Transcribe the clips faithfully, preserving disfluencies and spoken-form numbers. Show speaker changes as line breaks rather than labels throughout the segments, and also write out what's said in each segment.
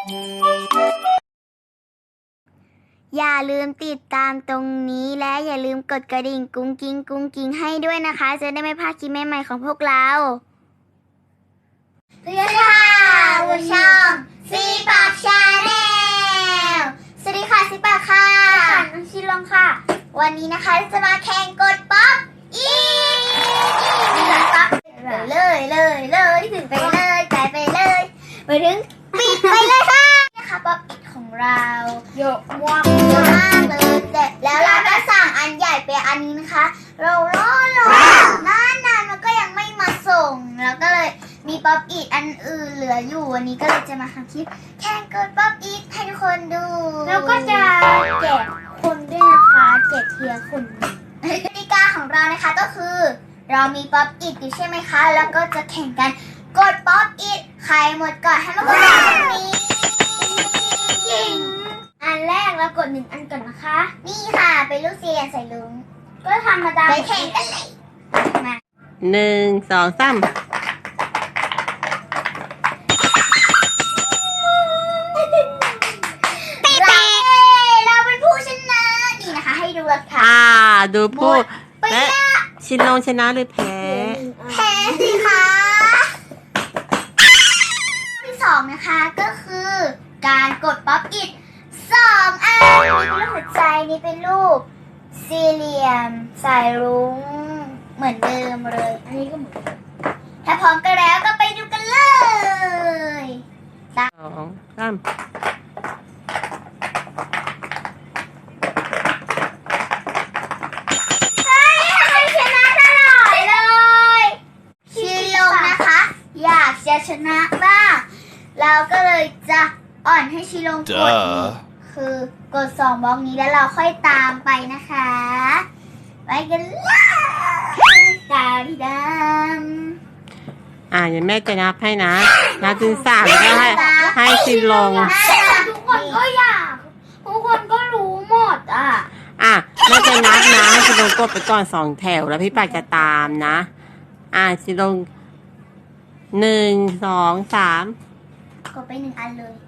อย่าลืมติดตามตรงนี้และอย่าลืมกดกระดิ่งกุ้งกิ้งกุ้งกิ้งให้ด้วยนะคะจะได้ไม่พลาดคลิปใหม่ๆของพวกเราสวัสดีค่ะผู้ชมซีปากชาแนลสวัสดีค่ะซีปากค่ะน้องชิลองค่ะวันนี้นะคะจะมาแข่งกดป๊อปอีป๊อปเลยเลยเลยถึงไปเลยไปไปเลยไปถึงปิดไปเลยค่ะนะคะป๊อปอีของเราเยอะมากเยอะมากเลยแต่แล้วเราก็สั่งอันใหญ่ไปอันนี้นะคะเรารอรอนานนานมันก็ยังไม่มาส่งแล้วก็เลยมีป๊อปอีทอันอื่นเหลืออยู่วันนี้ก็เลยจะมาทำคลิปแข่งกดป๊อปอีทให้ทุกคนดูแล้วก็จะแจกคนด้วยนะคะแจกเทียร์คนกติกาของเรานะคะก็คือเรามีป๊อปอีทอยู่ใช่ไหมคะแล้วก็จะแข่งกันกดป๊อปอีทใครหมดก่อนให้มากดตรงนี้อันแรกเรากดหนึ่งอันก่อนนะคะนี่ค่ะเป็นลูกเสียใส่ลุงก็ทำมาตามไปแข่งกันเลยมา
หนึ่งสองสาม
เราเป็นผู้ชนะนี่นะคะให้ดูราคา
อ่าดูผู้และชินลงชนะหรือแพ้
แพ้สิคะที่สองนะคะก็คือการกดป๊อปอิทสองอันนี่เป็นรูปหัวใจนี่เป็นรูปสี่เหลี่ยมสายรุ้งเหมือนเดิมเลยอันนี้ก็เหมือนถ้าพร้อมกันแล้วก็ไปดูกันเลย
สองสาม
อยากจะชนะบ้างเราก็เลยจะอ่อนให้ชิลงกดนี้คือกดสองบล็อกนี้แล้วเราค่อยตามไปนะคะไปกันเลยตาดีด
ำอ่าเดี๋ยวแม่จะนับให้นะนับถึงสามแล้วก็ให้ให้ชิลง
ทุกคนก็อยากทุกคนก็รู้หมดอ่ะ
อ่ะแม่จะนับนะชิลงกดไปก่อนสองแถวแล้วพี่ปากจะตามนะอ่าชิลงหนึ่งสองสาม
กดไปหนึ่งอันเลย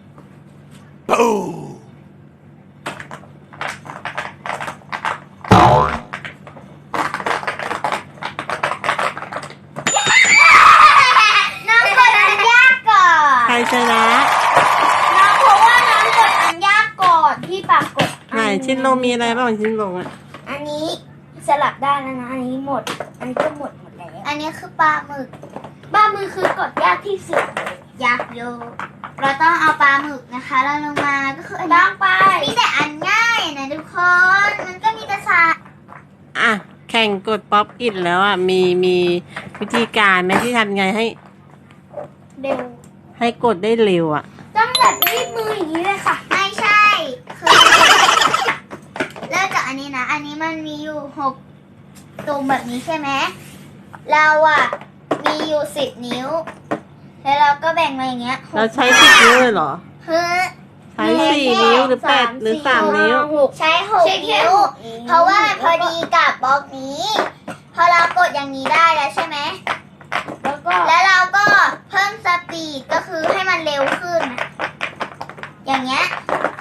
น้องกดอันยากก่อน
ใครชนะ
น้องเพราะว่าน้องกดอันยากก่อนพี่ปากกด
ไหนชิ้นลงมีอะไรบ้างชิ้นลงอ่ะ
อันนี้สลับได้แล้วนะอันนี้หมดอันนี้ก็หมดหมดแล้วอันนี้คือปลาหมึกปลาหมึกคือกดยากที่สุดยากโยเราต้องเอาปลาหมึกนะคะเราลงมาก็คืออันต้องไปมีแต่อันง่ายนะทุกคนมันก็มีแต่สา
อ่ะแข่งกดป๊อปอิทแล้วอ่ะมีมีวิธีการไหมที่ทำไงให้
เร็ว
ให้กดได้เร็วอ่ะ
ต้องแบบรีบมืออย่างนี้เลยค่ะไม่ใช่คือเริ่มจากอันนี้นะอันนี้มันมีอยู่หกตุ่มแบบนี้ใช่ไหมเราอ่ะมีอยู่สิบนิ้วแล้วเราก็แบ่งมาอย่างเงี้ย
เราใช้สิบนิ้วเลยเหรอ
เฮ้ย
ใช้สี่นิ้วหรือแปดหรือสามนิ้ว
ใช้หกนิ้วเพราะว่ามันพอดีกับบล็อกนี้พอเรากดอย่างนี้ได้แล้วใช่ไหมแล้วก็แล้วเราก็เพิ่มสปีดก็คือให้มันเร็วขึ้นอย่างเงี้ย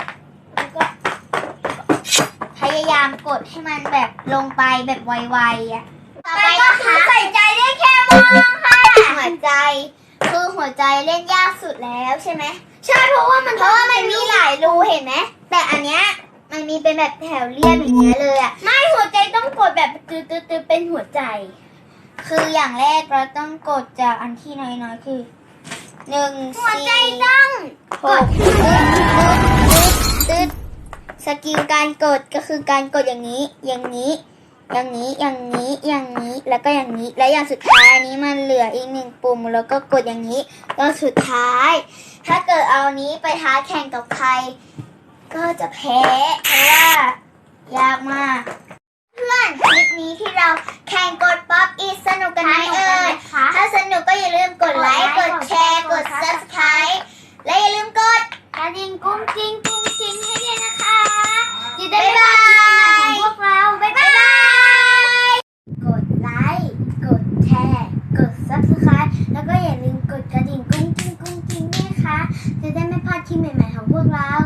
พยายามกดให้มันแบบลงไปแบบไวๆอ่ะต่อไปก็คือใส่ใจได้แค่มองค่ะหัวใจคือหัวใจเล่นยากสุดแล้วใช่ไหมใช่เพราะว่ามันเพราะว่ามันมีหลายรูเห็นไหมแต่อันเนี้ยมันมีเป็นแบบแถวเรียบอย่างเงี้ยเลยอ่ะไม่หัวใจต้องกดแบบตื้อตื้อเป็นหัวใจคืออย่างแรกเราต้องกดจากอันที่น้อยๆคือหนึ่งหัวใจต้องกดตื้อตื้อสกิลการกดก็คือการกดอย่างนี้อย่างนี้อย่างนี้อย่างนี้อย่างนี้แล้วก็อย่างนี้และอย่างสุดท้ายอันนี้มันเหลืออีกหนึ่งปุ่มแล้วก็กดอย่างนี้ก็สุดท้ายถ้าเกิดเอานี้ไปท้าแข่งกับใครก็จะแพ้เพราะว่ายากมากเพื่อนคลิปนี้ที่เราแข่งกดป๊อปอีทสนุกกันไหมเอ่ยถ้าสนุกก็อย่าลืมกดไลค์กดแชร์กด ซับสไครบ์ และอย่าลืมกดกระดิ่งกุ้งกิ้งกุ้งกิ้งให้ด้วยนะคะจะได้ไม่พลาดคลิปใหม่ของพวกเราบ๊ายบายกดไลค์กดแชร์กด ซับสไครบ์ แล้วก็อย่าลืมกดกระดิ่งกุ้งกิ้งกุ้งกิ้งด้วยนะคะจะได้ไม่พลาดคลิปใหม่ๆของพวกเรา